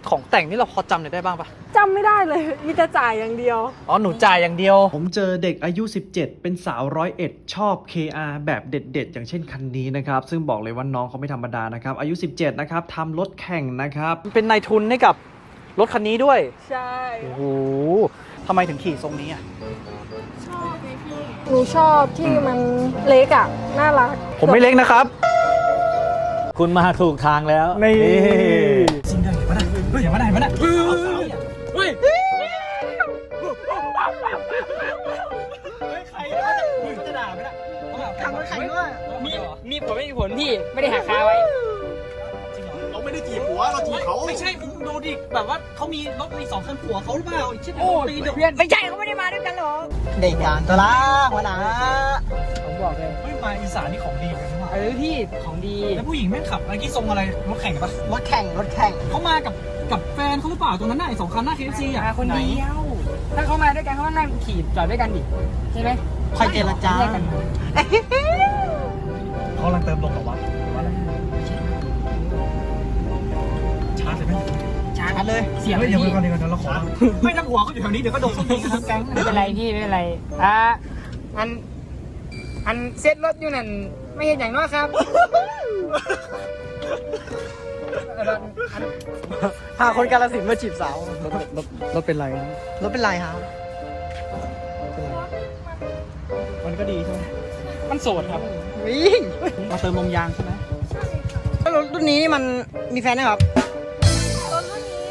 ของแต่งนี่เราพอจำได้บ้างปะจำไม่ได้เลยมีแต่จ่ายอย่างเดียวอ๋อหนูจ่ายอย่างเดียวผมเจอเด็กอายุ 17 เป็นสาว101 ชอบ KR แบบเด็ดๆ อย่างเช่นคันนี้นะครับซึ่งบอกเลยว่าน้องเขาไม่ธรรมดานะครับอายุ 17 นะครับทำรถแข่งนะครับเป็นนายทุนให้กับรถคันนี้ด้วยใช่โอ้โหทำไมถึงขี่ทรงนี้อ่ะชอบไหมพี่หนูชอบที่มันเล็กอ่ะน่ารักผมไม่เล็กนะครับคุณมาถูกทางแล้วนี่จริงด้วยมาได้เฮ้ยอย่ามาได้มาได้เฮ้ยใครจะด่าไหมล่ะทำรถแข่งด้วยมีผลไม่มีผลพี่ไม่ได้หักคาไว้เราไม่ได้จีบหัวเราจีบเขาไม่ใช่มึงดูดิแบบว่าเขามีรถมี2 คันผัวเขาหรือเปล่าไอ้ชิบโอ้ยเพื่อนไม่ใช่เขาไม่ได้มาด้วยกันหรอกเด็กอย่างตะละหัวหน้าผมบอกเลยเฮ้ยมาอีสานนี่ของดีเลยนะพี่ของดีแล้วผู้หญิงแม่งขับอะไรที่ทรงอะไรรถแข่งปะรถแข่งเขามากับแฟนเขาหรือเปล่าตรงนั้นน่ะไอ้2 คันหน้า KFC อ่ะคนเดียวถ้าเขามาด้วยกันเขาต้องนั่งขี่จอดด้วยกันดิใช่ไหมคอยเจรจาเขากำลังเติมลมหรอวะชาร์จเลยไหมชาร์จเลยเสียงเดี๋ยวก่อนเราขอไม่ทั้งหัวเขาอยู่แถวนี้เดี๋ยวก็โดนส้นตีนทั้งแก๊งไม่เป็นไรพี่ไม่เป็นไรอันเซ็ตรถอยู่นั่นไม่เห็นอย่างน้อยครับพาคนกาฬสินธุ์มาจีบสาวรถเป็นไรรถเป็นไรครับมันก็ดีใช่ไหมมันโสดครับวิ่งมาเติมลมยางใช่ไหมรถรุ่นนี้นี่มันมีแฟนไหมครับรถรุ่นนี้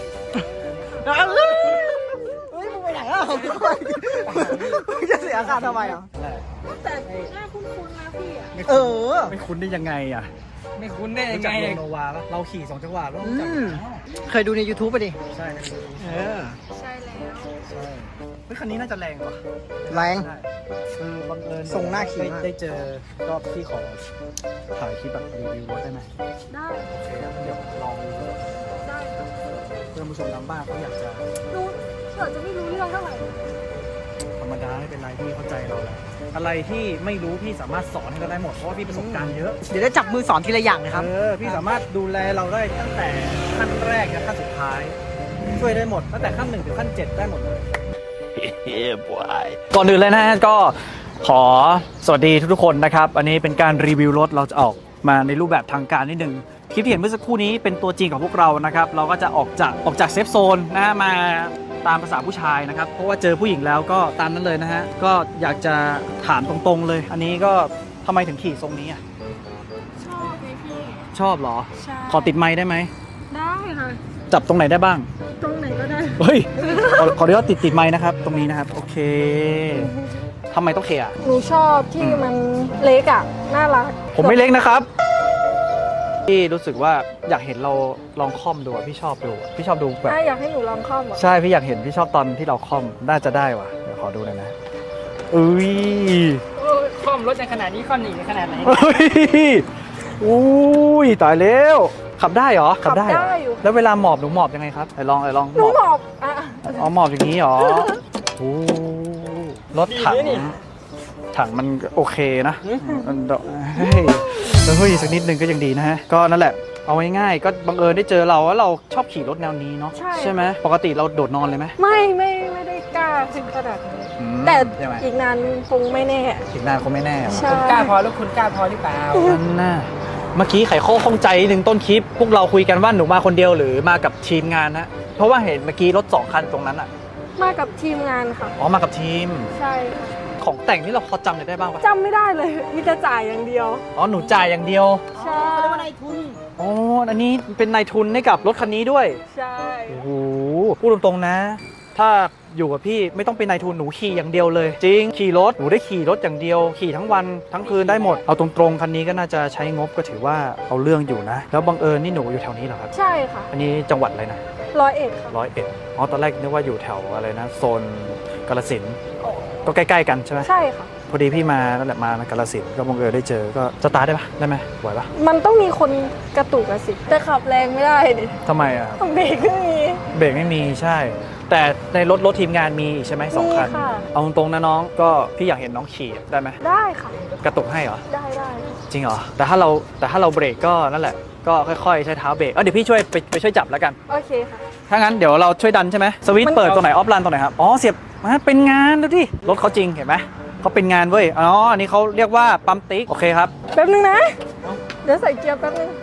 เฮ้ยมึงไปไหนอ่ะมึงจะเสียค่าทำไมอ่ะแต่หน้าคุ้นๆนะพี่อ่ะไม่คุ้นได้ยังไงอ่ะไม่คุ้นได้ยังไงจากโนวาปะเราขี่2 จังหวะแล้วเคยดูใน YouTube ป่ะดิใช่ใช่แล้วใช่เฮ้ยคันนี้น่าจะแรงกว่าแรงบังเอิญส่งหน้าขี่ได้เจอก็พี่ขอถ่ายคลิปแบบรีวิวรถได้ไหมได้โอเคเดี๋ยวลองได้เพื่อนผู้ชมทางบ้านเขาอยากจะรู้เผื่อจะไม่รู้เรื่องเท่าไหร่ธรรมดาไม่เป็นไรพี่เข้าใจเราแหละอะไรที่ไม่รู้พี่สามารถสอนให้เราได้หมดเพราะว่าพี่ประสบการณ์เยอะเดี๋ยวได้จับมือสอนทีละอย่างนะครับพี่สามารถดูแลเราได้ตั้งแต่ขั้นแรกถึงขั้นสุดท้ายช่วยได้หมดตั้งแต่ขั้น1 ถึงขั้น 7ได้หมดเลยก่อนอื่นเลยนะฮะก็ขอสวัสดีทุกๆคนนะครับอันนี้เป็นการรีวิวรถเราจะออกมาในรูปแบบทางการนิดนึงคลิปที่เห็นเมื่อสักครู่นี้เป็นตัวจริงของพวกเรานะครับเราก็จะออกจากเซฟโซนนะฮะมาตามภาษาผู้ชายนะครับเพราะว่าเจอผู้หญิงแล้วก็ตามนั้นเลยนะฮะก็อยากจะถามตรงๆเลยอันนี้ก็ทำไมถึงขี่ทรงนี้อ่ะชอบไหมพี่ชอบเหรอใช่ขอติดไมค์ได้ไหมได้ค่ะจับตรงไหนได้บ้างตรงไหนก็ได้เฮ้ยขอเรียกว่าติดไมค์นะครับตรงนี้นะครับโอเคทำไมต้องเคอ่ะหนูชอบที่มันเล็กอ่ะน่ารักผมไม่เล็กนะครับพี่รู้สึกว่าอยากเห็นเราลองค่อมดูพี่ชอบดูแบบอยากให้หนูลองค่อมใช่พี่อยากเห็นพี่ชอบตอนที่เราค่อมน่าจะได้ว่ะเดี๋ยวขอดูหน่อยนะอุ้ยค่อมรถในขนาดนี้ค่อมหนีในขนาดไหนอุ้ยตายแล้วขับได้เหรอขับได้อยู่แล้วเวลาหมอบหนูหมอบยังไงครับลองหนูหมอบหมอบอย่างนี้เหรอโอ้รถถังมันโอเคนะเฮ้ยสักนิดนึงก็ยังดีนะฮะก็นั่นแหละเอาง่ายๆก็บังเอิญได้เจอเราแล้วเราชอบขี่รถแนวนี้เนาะใช่ไหมปกติเราโดดนอนเลยไหมไม่ได้กล้าถึงขนาดนี้แต่อีกนานคงไม่แน่อีกนานคงไม่แน่คุณกล้าพอแล้วคุณกล้าพอหรือเปล่านั่นน่ะเมื่อกี้ไขข้อข้องใจหนึ่งต้นคลิปพวกเราคุยกันว่าหนูมาคนเดียวหรือมากับทีมงานฮะเพราะว่าเห็นเมื่อกี้รถ2 คันตรงนั้นอ่ะมากับทีมงานค่ะอ๋อมากับทีมใช่ของแต่งนี่เราพอจำได้บ้างปะจำไม่ได้เลยมีแต่จ่ายอย่างเดียวอ๋อหนูจ่ายอย่างเดียวใช่เขาเรียกว่านายทุนอ๋ออันนี้เป็นนายทุนให้กับรถคันนี้ด้วยใช่โอ้โหพูดตรงๆนะถ้าอยู่กับพี่ไม่ต้องเป็นนายทุนหนูขี่อย่างเดียวเลยจริงขี่รถหนูได้ขี่รถอย่างเดียวขี่ทั้งวันทั้งคืนได้หมดเอาตรงๆคันนี้ก็น่าจะใช้งบก็ถือว่าเอาเรื่องอยู่นะแล้วบังเอิญนี่หนูอยู่แถวนี้เหรอครับใช่ค่ะอันนี้จังหวัดอะไรนะ 101ค่ะ 101อ๋อตอนแรกนึกว่าอยู่แถวอะไรนะโซนกาฬสินธุ์ก็ใกล้ๆกันใช่ไหมใช่ค่ะพอดีพี่มานั่นแหละมากาฬสินธุ์ก็บังเอิญได้เจอก็สตาร์ทได้ปะได้ไหมไหวปะมันต้องมีคนกระตุกอะสิแต่ขับแรงไม่ได้ดิทำไมอ่ะเบรกไม่มีใช่แต่ในรถทีมงานมีใช่ไหม2 คันเอาตรงๆนะน้องก็พี่อยากเห็นน้องขี่ได้ไหมได้ค่ะกระตุกให้เหรอได้จริงเหรอแต่ถ้าเราเบรกก็นั่นแหละก็ค่อยๆใช้เท้าเบรกเดี๋ยวพี่ช่วยไปช่วยจับแล้วกันโอเคค่ะถ้างั้นเดี๋ยวเราช่วยดันใช่ไหมสวิตช์เปิดตรงไหนออฟรันตรงไหนครับอ๋อเสียบมาเป็นงานดูดิรถเขาจริงเห็นไหมเขาเป็นงานเว้ยอ๋ออันนี้เขาเรียกว่าปั๊มติ๊กโอเคครับแป๊บนึงนะ เดี๋ยวใส่เกียร์แป๊บนึง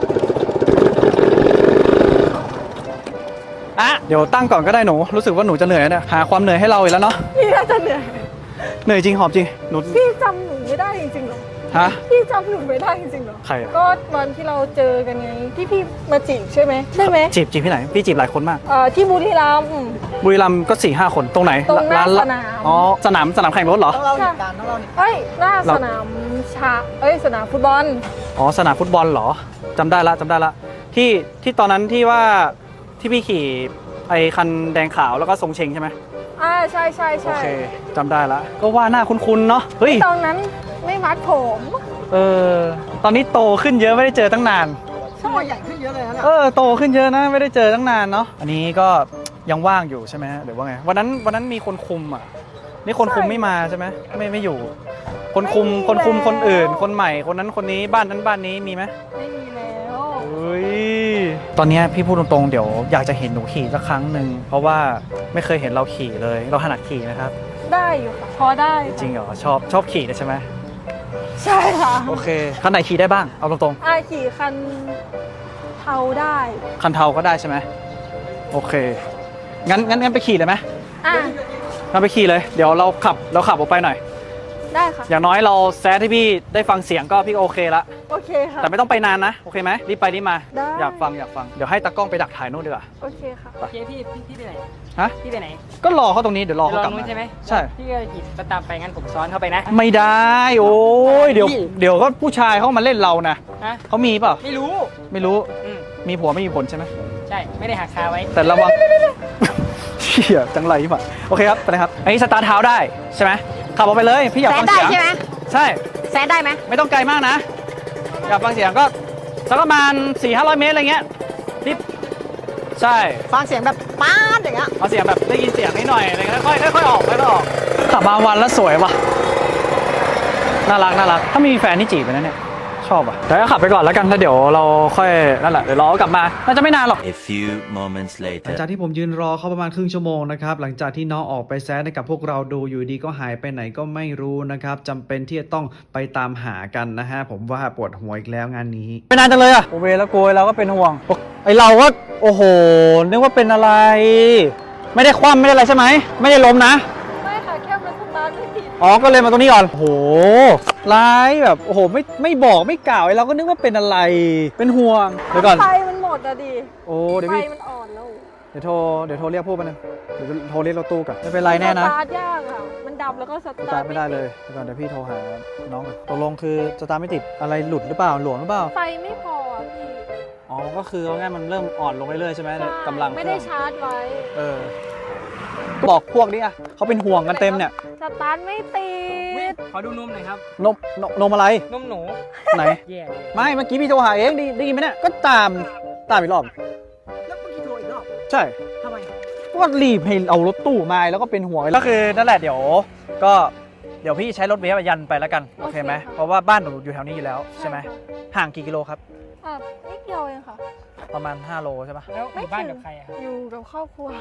อ่ะเดี๋ยวตั้งก่อนก็ได้หนูรู้สึกว่าหนูจะเหนื่อยแล้วเนี่ยหาความเหนื่อยให้เราอีกแล้วเนาะพี่น่าจะเหนื่อยเหนื่อยจริงหอบจริงหนูพี่จำหนูไม่ได้จริงๆเหรอฮะพี่จำหนูไม่ได้จริงๆเหรอใครอะก็วันที่เราเจอกันไงที่พี่มาจีบใช่ไหมใช่ไหมจีบที่ไหนพี่จีบหลายคนมากที่บุรีรัมย์บุรีรัมย์ก็ 4-5 คนตรงไหนตรงหน้าละสนามอ๋อสนามแข่งรถเหรอต้องเล่าเหตุการณ์ต้องเล่าเอ้ยหน้าสนามสนามฟุตบอลอ๋อสนามฟุตบอลเหรอจำได้ละที่ตอนนั้นที่ว่าที่พี่ขี่ไอ้คันแดงขาวแล้วก็ทรงเชงใช่ไหมใช่ใช่โอใช่เคจำได้ละก็ว่าหน้าคุ้นๆเนาะเฮ้ยตอนนั้นไม่มัดผมตอนนี้โตขึ้นเยอะไม่ได้เจอตั้งนานช่อใหญ่ขึ้นเยอะเลยนะโตขึ้นเยอะนะไม่ได้เจอตั้งนานเนาะอันนี้ก็ยังว่างอยู่ใช่ไหมหรือว่าไงวันนั้นมีคนคุมอ่ะนี่คนคุมไม่มาใช่ไหมไม่อยู่ คนคุมคนอื่น คนใหม่คนนั้นคนนี้บ้านนั้นบ้านนี้มีไหมไม่มีแล้วเฮ้ยตอนเนี้ยพี่พูดตรงๆเดี๋ยวอยากจะเห็นหนูขี่สักครั้งหนึ่งเพราะว่าไม่เคยเห็นเราขี่เลยเราถนัดขี่นะครับได้อยู่ค่ะพอได้จริงเหรอชอบขี่เลยใช่ไหมใช่ค่ะโอเคคันไหนขี่ได้บ้างเอาตรงขี่คันเทาได้ๆคันเทาก็ได้ใช่ไหมโอเคงั้นไปขี่เลยไหม งั้นไปขี่เลยเดี๋ยวเราขับออกไปหน่อยได้ค่ะอย่างน้อยเราแซดให้พี่ได้ฟังเสียงก็พี่ก็โอเคละโอเคค่ะแต่ไม่ต้องไปนานนะโอเคไหมรีบไปรีบมาได้อยากฟังเดี๋ยวให้ตากล้องไปดักถ่ายนู่นดีกว่าโอเคค่ะโอเคพี่ไปไหนฮะพี่ไปไหนก็รอเขาตรงนี้เดี๋ยวรอเขากลับนู้มานใช่ไหมใช่พี่ก็ขี่ตามไปงั้นผมซ้อนเข้าไปนะไม่ได้โอ้ยเดี๋ยวก็ผู้ชายเขามาเล่นเรานะฮะเขามีเปล่าไม่รู้ไม่รู้อืมมีผัวไม่มีผลใช่ไหมใช่ไม่ได้หักคาไว้แต่ระวัง เชี่ยจังไรป่ะโอเคครับไปเลยครับอันนี้สตาร์ทเท้าได้ใช่ไหมขับออกไปเลยพี่อยากฟังเสียงใช่แซดได้ไหมไม่ต้องไกลมากนะ อยากฟังเสียงก็สักประมาณ 400-500 เมตรอะไรเงี้ยรีบใช่ฟังเสียงแบบป๊าดอย่างเงี้ยเอาเสียงแบบได้ยินเสียงนิดหน่อยอะไรเงี้ยค่อยออกขับมาวันแล้วสวยว่ะน่ารักถ้ามีแฟนนี่จีบไปนะเนี่ยชอบอ่ะแต่ก็ขับไปก่อนแล้วกันแล้วเดี๋ยวเราค่อยนั่นแหละเดี๋ยวรอกลับมาน่าจะไม่นานหรอก A few moments หลัง later. จากที่ผมยืนรอเขาประมาณครึ่งชั่วโมงนะครับหลังจากที่น้องออกไปแซดให้กับพวกเราดูอยู่ดีก็หายไปไหนก็ไม่รู้นะครับจำเป็นที่จะต้องไปตามหากันนะฮะผมว่าปวดหัวอีกแล้วงานนี้ไม่นานจังเลยอ่ะโอเวแล้วโกยเราก็เป็นห่วงไอเราก็โอ้โหนึกว่าเป็นอะไร ไม่ได้คว่ำไม่ได้อะไรใช่ไหมไม่ได้ล้มนะไม่ค่ะแค่มันสตาร์ทไม่ติดอ๋อก็เลยมาตรงนี้ก่อนโอ้โหร้ายแบบโอ้โหไม่บอกไม่กล่าวไอเราก็นึกว่าเป็นอะไรเป็นห่วงเดี๋ยวก่อนไฟมันหมดอะดิโอ้เดี๋ยวไฟพี่มันอ่อนแล้วเดี๋ยวโทรเรียกพวกมันงเดี๋ยวโทรเรียกรถตู้กันไม่เป็นไรแน่นะสตาร์ทยากอะมันดับแล้วก็สสตาตาร์ร์ททไม่ได้เลยเดี๋ยวก่อนเดี๋ยวพี่โทรหาน้องก่อนตกลงคือสตาร์ทไม่ติดอะไรหลุดหรือเปล่าหลวมหรือเปล่าไฟไม่พออะพี่อ๋อก็คือเอาง่ายมันเริ่มอ่อนลงเรื่อยๆใช่ไหมในกำลังไม่ได้ชาร์จไว้บอกพวกนี้อ่ะเขาเป็นห่วงกันเต็มเนี่ยสตาร์ทไม่ติดขอดูนมหน่อยครับนมอะไรนมหนูไหนแย่เลยไม่เมื่อกี้พี่โทรหาเองได้ยินไหมเนี่ยก็ตามอีกรอบแล้วเมื่อกี้โทรอีกรอบใช่ทำไมก็รีบให้เอารถตู้มาแล้วก็เป็นห่วงก็คือนั่นแหละเดี๋ยวพี่ใช้รถเวฟยันไปแล้วกันโอเคไหมเพราะว่าบ้านหนูอยู่แถวนี้อยู่แล้วใช่ไหมห่างกี่กิโลครับนิดเดียวเองค่ะประมาณ5 โลใช่ปะแล้วอยู่บ้านกับใครอะครับอยู่กับครอบครัว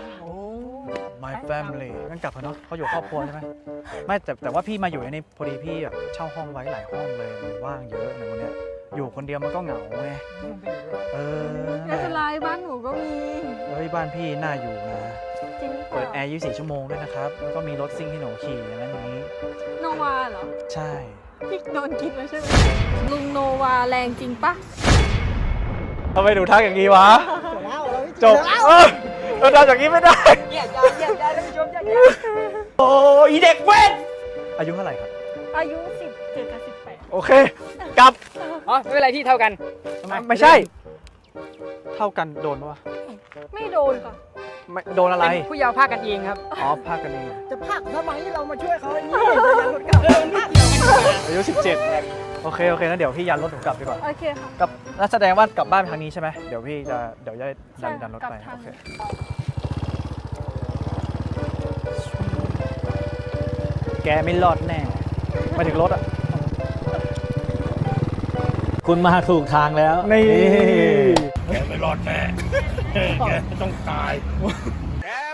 My family งั้นกลับเถอะเนาะเขาอยู่ครอบครัวใช่ไหมไม่แต่ว่าพี่มาอยู่ในนี้พอดีพี่แบบเช่าห้องไว้หลายห้องเลยมันว่างเยอะในวันเนี้ยอยู่คนเดียวมันก็เหงาไงนั่นแหไม่เป็นละไรบ้านหนูก็มีเฮ้ยบ้านพี่น่าอยู่นะจริงหรือเปเปิดแอล่าร์24 ชั่วโมงด้วยนะครับแล้วก็มีรถซิ่งที่หนูขี่อย่างนั้นอย่างนี้โนวาเหรอใช่พี่โดนกินแล้วใช่ไหมลุงโนวาแรงจริงปะทำไมหนูทักอย่างนี้วะจบเราทำอย่างนี้ไม่ได้อย่าท่านผู้ชมอย่าโอ้ยเด็กเว้นอายุเท่าไหร่ครับอายุ17กับ18 โอเคกลับอ๋อไม่เป็นไรที่เท่ากันไม่ใช่ เท่ากันโดนปะวะไม่โดนค่ะไม่โดนอะไรเป็นผู้เยาว์ภาคกันเองครับอ๋อพากันเองจะพักทำไมเรามาช่วยเขาอย่างนี้จะยันรถกลับอายุ 17 โอเคนะเดี๋ยวพี่ยันรถหนูกลับดีกว่าโอเคค่ะกับนั่นแสดงว่ากลับบ้านทางนี้ใช่ไหมเดี๋ยวพี่จะดันรถไปกลับทางโอเคแกไม่รอดแน่มาถึงรถอ่ะคุณมาถูกทางแล้วนี่แกไม่รอดแน่แกต้องตายแก